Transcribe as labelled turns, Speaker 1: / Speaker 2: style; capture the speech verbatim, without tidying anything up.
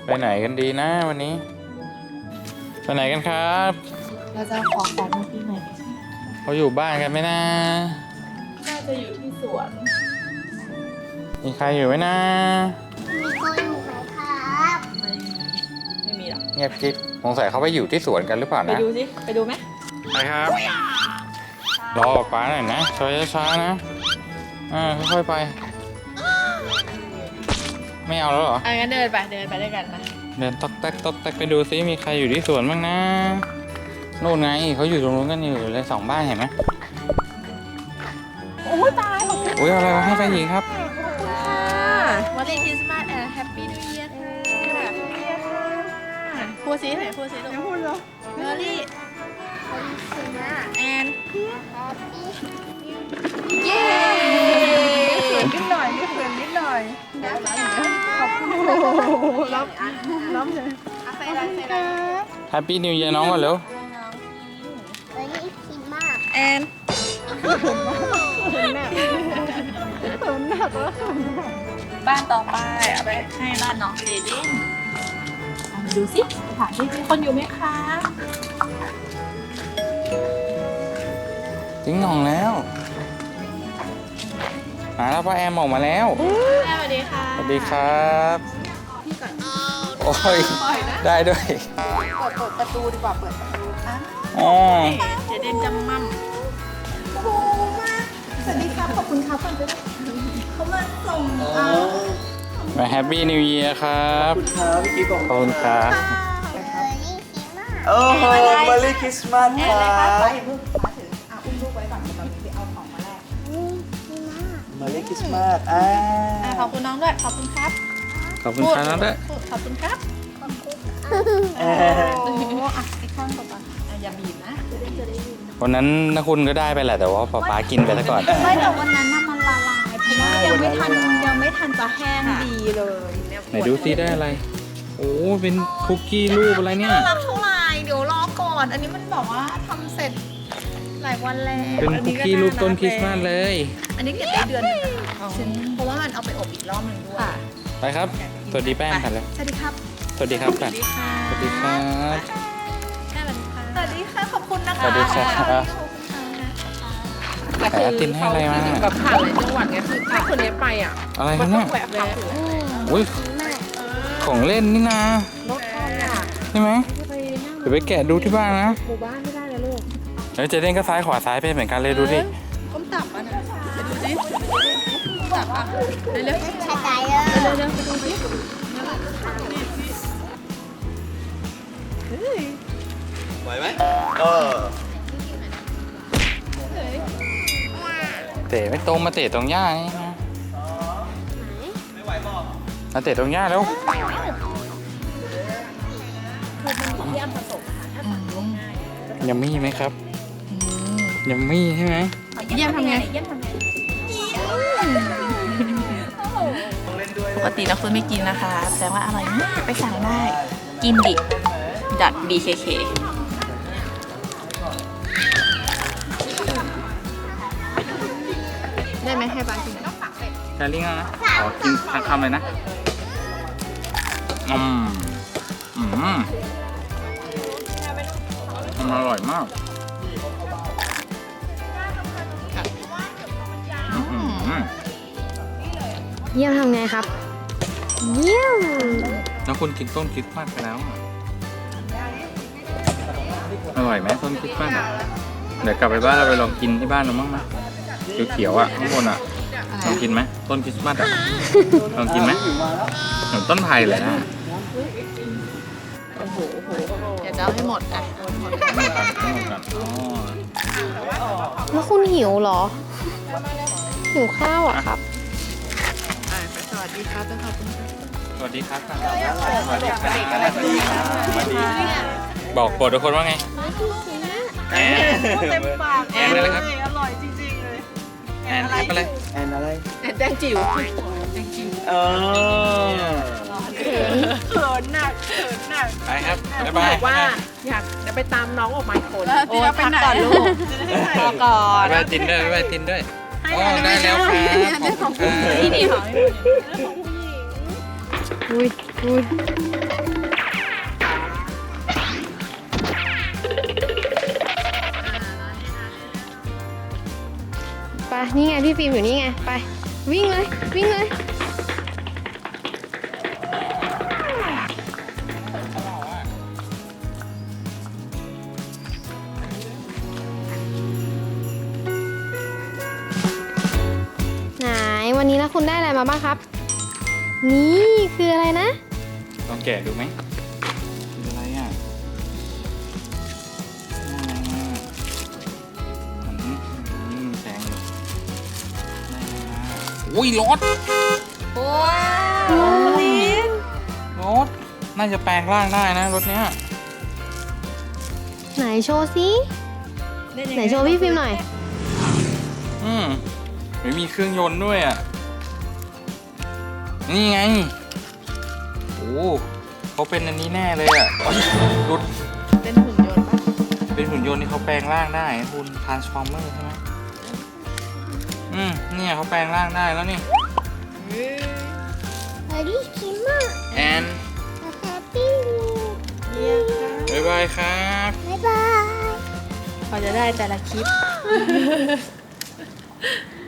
Speaker 1: ไปไหนกันดีนะวันนี้ไปไหนกันครับ
Speaker 2: เราจะขอของมาปีใหม่
Speaker 1: เขาอยู่บ้านกันไหมนะ
Speaker 2: น่าจะอยู่ที่สวน
Speaker 1: มีใครอยู่ไหมนะ
Speaker 3: มีคนอยู่ไหมครับ
Speaker 2: ไม่ไม่มีหรอก
Speaker 1: เงียบกิ๊บสงสัยเขาไปอยู่ที่สวนกันหรือเปล่า
Speaker 2: ไป
Speaker 1: นะ
Speaker 2: ดูสิไปดูไหม
Speaker 1: ไปครับรอป้าหน่อยนะช้าๆนะอ่าค่อยๆไปไม่เอาแล้วเหรอ
Speaker 2: อ่ะงั้นเดินไปเดินไปด้วยกันนะ
Speaker 1: เดินตอกแตกตอกแตกไปดูซิมีใครอยู่ที่สวนบ้างนะโน่นไงเขาอยู่ตรงนู้นกันอยู่เลยสองบ้านเห็นไหม
Speaker 2: โอ้ยตายขอบคุณ
Speaker 1: อุ้ยเอาอะไรมาให้ไปหญิงครับ
Speaker 2: ค่ะวันนี้คริสต์มาสแอนด์แฮปปี้นิวเยียร์ค่ะพูดซิไหนพูดซิลูกพูดเหรอเมอรี่แอนเย้เขินนิดหน่อยนี่เขินนิดหน่อยขอบคุณรับรับเลยใส่ได้ใส่ได้
Speaker 1: แฮปปี้นิวเยียร์น้องก่อนเร็ว
Speaker 3: วันนี้คิดมาก
Speaker 2: แอนบ้านต่อไปเอาไปให้บ้านน้องเจเด้นมาดูสิถามที่มีคนอยู่ไหมคะ
Speaker 1: ทิ้งหน่องแล้วมาแล้วพ่อแอมออกมาแล้ว
Speaker 2: สวัสดีค่ะ
Speaker 1: สวัสดีครับ
Speaker 2: พี่ก่อน
Speaker 1: โอ้ยได้ด้วย
Speaker 2: เปิดเปิดประตูดีกว่าเปิดประตูอ่ะ
Speaker 1: อ๋อ
Speaker 2: เจเด้นจำมั่มโอ้โหมาสวัสดีครับขอบคุณครับคนไปเขามาส่งเอา
Speaker 1: มาแฮปปี้นิวเยียร์ครับ
Speaker 4: ขอบคุณครับพี่กิ๊ฟบอก
Speaker 1: ขอบคุณครับ
Speaker 4: โอ้โหมาลีคริสต์มาสครั
Speaker 2: ป้า
Speaker 4: บ
Speaker 2: อย่าเพิ่งป้าถืออ่ะอุ้มลูกไว้ก่อนเดี๋ยวเราไปเอาของมาแลก
Speaker 4: มาลีคริสต์มาสอ่า
Speaker 2: ขอบคุณน้องด้วยขอบคุณครับ
Speaker 1: ขอบคุณครับน้องด้วย
Speaker 2: ขอบคุณครับ
Speaker 3: ขอบคุณ
Speaker 2: โอ้อ่ะอีกข้างก่อนอย่าบีบนะจะได้จะได้บีบ
Speaker 1: วันนั้นนะคุณก็ได้ไปแหละแต่ว่าป๊าป๊ากินไปซะก่อน
Speaker 2: ไม่แต่วันนั้นน่ะมันละลายเพราะว่ายังไม่ทันยังไม่ทันจะแห้งดีเลย
Speaker 1: ไหนดูซิได้อะไรโอ้เป็นคุกกี้รูปอะไรเนี่ย
Speaker 2: น่ารักเท่าไหร่เดี๋ยวรอก่อนอันนี้มันบอกว่าทำเสร็จหลายวันแล้ว
Speaker 1: เป็นคุกกี้รูปต้นคริสต์มาสเลย
Speaker 2: อันนี้เก็บได้เดือนนึงนะคะเพราะว่ามันเอาไปอบอีกรอบนึงด้วย
Speaker 1: ไปครับสวัสดีแป้งกันเลย
Speaker 2: สวัสดีครับ
Speaker 1: สวัสดีครับสวัสดี
Speaker 2: ค่ะ
Speaker 1: สวัสดีครับ
Speaker 2: สวัสดีค่ะขอบคุณนะคะ
Speaker 1: สวัสดีครับแต่ตินให้อะไรมา
Speaker 5: แบบผ่านหลายจังหวัดไงคือถ้าคนนี้ไปอ่ะ
Speaker 1: อะไรครับเนี่ย
Speaker 5: แหวกแหวก
Speaker 1: อุ้ยของเล่นนี่นะ
Speaker 5: รถคันอ่ะ
Speaker 1: ใช่ไหมเดี๋ยวไปแกะดูที่บ้านนะ
Speaker 5: หมู่บ้านไม่ได้นะลูก
Speaker 1: แล้วเจเด้นก็ซ้ายขวาซ้ายไปเหมือนกันเลยดูดิ
Speaker 2: ก้มตับอ่ะนะไปดูดิตับอ่ะเร็วๆ
Speaker 3: ใช่ใจเลย
Speaker 2: เร็วๆไปดูดิ
Speaker 4: ไหวไหมเออ
Speaker 1: เตะไม่ตรงมาเตะตรงหญ้านี่นะ
Speaker 4: ไม่ไหวบอก
Speaker 1: มาเตะตรงหญ้าแล้วยัมมี่ไหมครับยัมมี่ใช่ไหม
Speaker 2: เยี่ยมทำไงเยี่ยมทำไงปกติเราคุณไม่กินนะคะแสดงว่าอร่อยมากไปสั่งได้กินดิดัด บี เค เค ได้ไหมให้บ้านกิน
Speaker 1: แคลริ่งนะขอกินทั้งคำเลยนะอืมอืมมันอร่อยมาก
Speaker 3: เยี่ยมทำไงครับเยี่ยม
Speaker 1: แล้วคุณกินต้นคริสต์มาสไปแล้วอร่อยไหมต้นคริสต์มาสเดี๋ยวกลับไปบ้านเราไปลองกินที่บ้านเราบ้างไหมเขียวๆอ่ะข้างบนอ่ะลองกินไหมต้นคริสต์มาสอ่ะลองกินไหมเหมือนต้นไผ่เลยนะ
Speaker 2: เดี๋ยวจะเอาให้หมดอ่ะหมดกัน
Speaker 1: หมดกันอ๋อ
Speaker 3: แล้วคุณหิวเหรอหิวข้าวอ่ะครับ
Speaker 2: สวัสดีครับขอบคุณครับ
Speaker 1: สวัสดีครับสวัสดีครับบอกโปรดทุกคนว่าไง
Speaker 2: แอนเต็มปาก
Speaker 1: แอนอะไรครับ
Speaker 2: อร่อยจริงๆเลย
Speaker 1: แอนอะไร
Speaker 4: แอนอะไร
Speaker 2: แอนแดงจิ๋วแดงจิ๋ว
Speaker 4: เออ
Speaker 2: เขินเขินหนักเขินหนัก
Speaker 1: ไปครับบ๊ายบาย
Speaker 5: บอกว่าอยากจะไปตามน้องออกมาอีกคน
Speaker 2: โอ้ยพักก่อนลูกพอก่อน
Speaker 1: ไปตินด้วยไปตินด้วยอ๋อได้แล้วครับ
Speaker 2: นี่นี่ของ
Speaker 3: อุ้ยอุ้ยนี่ไงพี่ฟิล์มอยู่นี่ไง ไป วิ่งเลย วิ่งเลย ไหน วันนี้แล้วคุณได้อะไรมาบ้างครับ นี่คืออะไรนะ
Speaker 1: ลองแกะดูไหมคืออะไรอ่ะอะไรอ่ะอืมแสงอยู่ได้อะไรมาอุ้ยรถ
Speaker 2: ว้าวลิ้น
Speaker 1: รถน่าจะแปลงร่างได้นะรถเนี้ย
Speaker 3: ไหนโชว์สิไหนโชว์พี่ฟิล์มหน่อย
Speaker 1: อืมไม่มีเครื่องยนต์ด้วยอ่ะ นี่ไง โอ้เขาเป็นอันนี้แน่เลยอ่ะรถ
Speaker 2: เป็นหุ่นยนต์ปะ
Speaker 1: เป็นหุ่นยนต์ที่เขาแปลงร่างได้คุณ Transformer ใช่ไหมอืมเนี่ยเขาแปลงร่างได้แล้วนี่
Speaker 3: สวัสดีคิมมา
Speaker 1: แอน
Speaker 3: แฮปปี้
Speaker 1: บ๊ายบายครับ
Speaker 3: บ๊ายบาย
Speaker 2: พอจะได้แต่ละคลิป